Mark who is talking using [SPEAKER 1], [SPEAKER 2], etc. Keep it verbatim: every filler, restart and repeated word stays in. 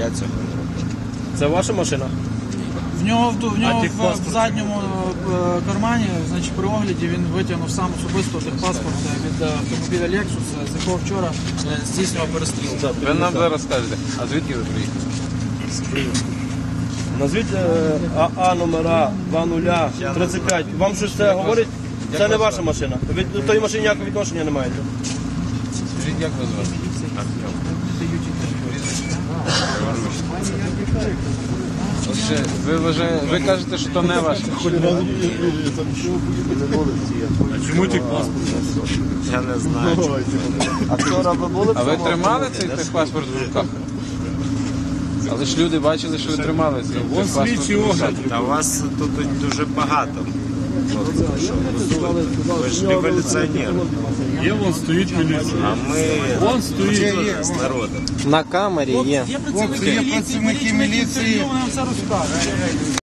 [SPEAKER 1] Я цього не роблю.
[SPEAKER 2] Це ваша машина?
[SPEAKER 3] В нього, в, в, нього
[SPEAKER 2] А
[SPEAKER 3] в, в задньому е, кармані, значить, при огляді він витягнув сам особисто техпаспорт від автомобіля Lexus, з якого вчора е, здійснював перестріл.
[SPEAKER 4] Ви нам зараз скажете, а звідки ви приїхали?
[SPEAKER 2] Назвіть е, АА номера два нуль тридцять п'ять. Вам щось це говорить? Це не ваша машина. Ви до тої машини ніякого відношення не маєте.
[SPEAKER 4] Скажіть, як вас звати? Отже, ви, вважаєте, ви кажете, що то не ваш.
[SPEAKER 1] Чому ті паспорт? Я не знаю.
[SPEAKER 2] А вчора ви були?
[SPEAKER 4] А ви тримали цей техпаспорт в руках? Але ж люди бачили, що ви тримали цей техпаспорт в руках.
[SPEAKER 1] Та вас тут дуже багато. Ви ж революціонери.
[SPEAKER 5] Є, вон стоїть міліція.
[SPEAKER 1] А ми
[SPEAKER 5] Вон стоїть.
[SPEAKER 1] з народом.
[SPEAKER 2] На камері є.
[SPEAKER 3] Є працівники міліції, ми річні, які інтерв'ю, вони вам все розкажуть.